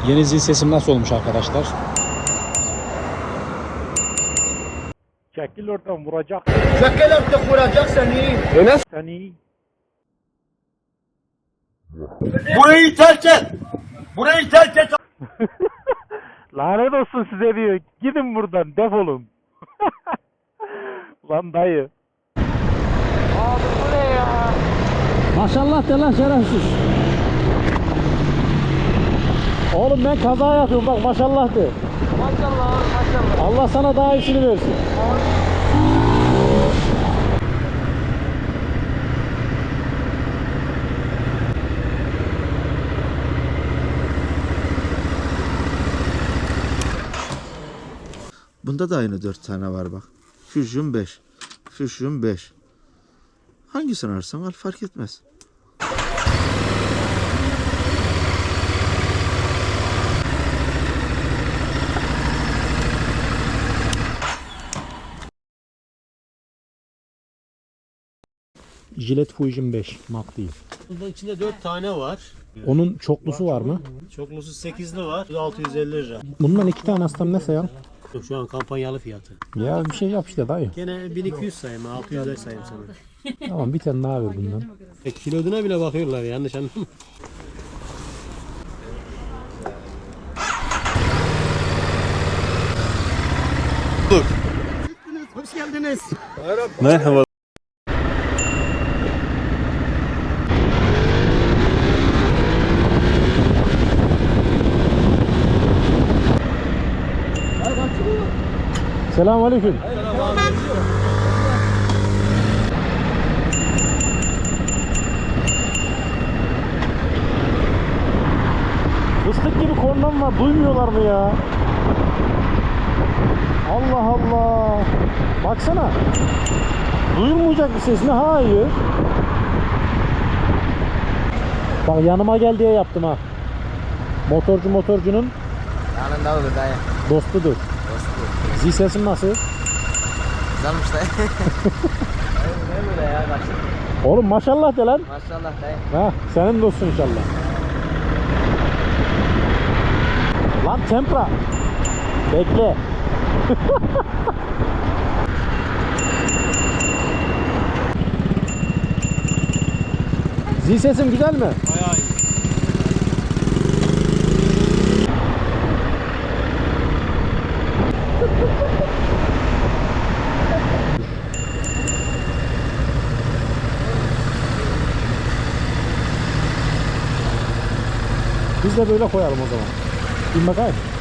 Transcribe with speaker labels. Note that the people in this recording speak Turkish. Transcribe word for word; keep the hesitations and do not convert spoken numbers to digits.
Speaker 1: Yeni zil sesim nasıl olmuş arkadaşlar?
Speaker 2: Çekil oradan, vuracak
Speaker 3: Çekil artık, vuracak seni.
Speaker 4: Öyle.
Speaker 2: seni.
Speaker 3: Burayı terk et. Burayı terk et.
Speaker 2: Lanet olsun size diyor. Gidin buradan, defolun. Lan dayı. Abi bu ne ya?
Speaker 1: Maşallah de lan şerefsiz. Oğlum ben kaza yapıyorum bak maşallah de.
Speaker 2: Maşallah abi, maşallah.
Speaker 1: Allah sana daha iyisini versin.
Speaker 5: Bunda da aynı dört tane var bak. Fusion beş. Fusion beş. Hangisini ararsan al fark etmez.
Speaker 1: Gillette Fusion beş mat değil.
Speaker 4: Bunun içinde dört tane var.
Speaker 1: Onun çoklusu var mı?
Speaker 4: Çoklusu sekizli var. altı yüz elli lira.
Speaker 1: Bundan iki tane aslan ne sayan?
Speaker 4: Şu an kampanyalı fiyatı.
Speaker 1: Ya bir şey yap işte dayı.
Speaker 4: Gene bin iki yüz sayayım, altı yüzler sayayım sana.
Speaker 1: Tamam bir tane daha ver bundan.
Speaker 4: E, kiloduna bile bakıyorlar, yanlış anlama.
Speaker 3: Hoş geldiniz.
Speaker 4: Merhaba.
Speaker 1: Selamünaleyküm. Fıstık gibi kornam var. Duymuyorlar mı ya? Allah Allah. Baksana. Duyulmayacak bir ses mi? Hayır. Bak yanıma gel diye yaptım ha. Motorcu motorcunun
Speaker 6: Yanında olur dayı.
Speaker 1: dostudur.
Speaker 6: Dostu.
Speaker 1: Zil sesin nasıl?
Speaker 6: Güzelmiş dayı. Ne böyle ya başladı.
Speaker 1: Oğlum maşallah de lan.
Speaker 6: Maşallah dayı.
Speaker 1: Ha, senin dostun inşallah. Lan tempra. Bekle. Zil sesim güzel mi?
Speaker 4: Bayağı iyi.
Speaker 1: Biz de böyle koyalım o zaman. Bir bakayım.